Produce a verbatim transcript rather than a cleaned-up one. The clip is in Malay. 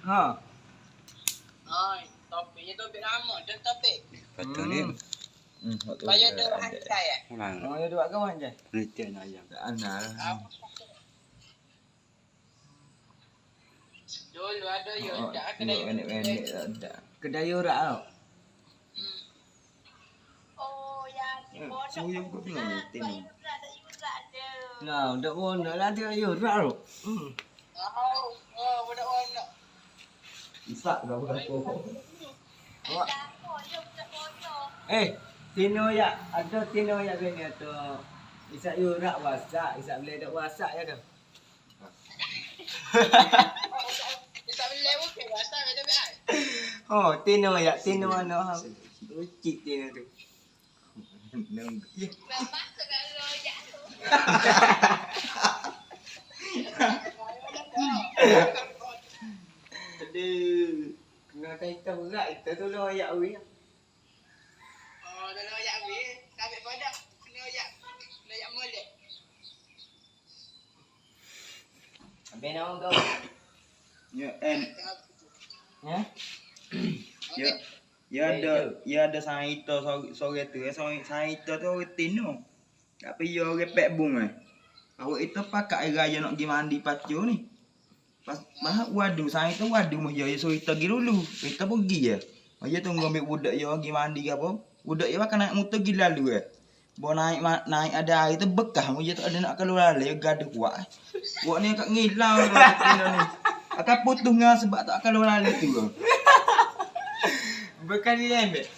Ha. Ai, topik je topik lama, dah topik. Betul ni. Hmm. Bayar dia hantai eh. Orang. Oh, ya dua kawan je. Penelitian ayam. Ana. Dulu ada yo Oh, dak kedai kedai. pendek-pendek tak. Kedai urat tau. Hmm. Oh, yang di Eh, pondok. saya bukan peneliti ni. Yurat, tak yurat dia. Nah, tak pun lah dia urat tu. Hmm. Oh, oh, budak pondok. Isak kau berapa? Awak. Tak apa, dia budak pondok. Eh, tino ya, ada tino ya bini atau isak urat wasak, isak boleh dak wasak ya dah. Bisa beli bukan rasa betul betul. Oh, tino ya, tino mana ha. Ucik tino tu. Nang. Ya. Memang segala rojak tu. Aduh. Kena kaitan berat kita tu lah ayat we. Oh, dalam ayat ni, sampai pada kena ayat. Kena ayat molek. Habis nama kau. Ya, and Ya? ya ya ada ya ada saito sore tu ya sore saito tu orang tino. Tapi yo repek bung eh. Awak itu pakai raya nak pergi mandi pacu ni. Pas bah wadu saito wadu mah ya so kita pergi dulu. Kita pergi ya. Aja tunggu ambil budak yo pergi mandi ke apa. Budak yo kan naik motor pergi lalu eh. Bo naik naik ada air tu bekah mu tak ada nak keluar lalu gaduh kuat. Buat ni kat ngilau tino ni. Akan putus ngah sebab tak keluar lalu tu. Bukan dia ambil.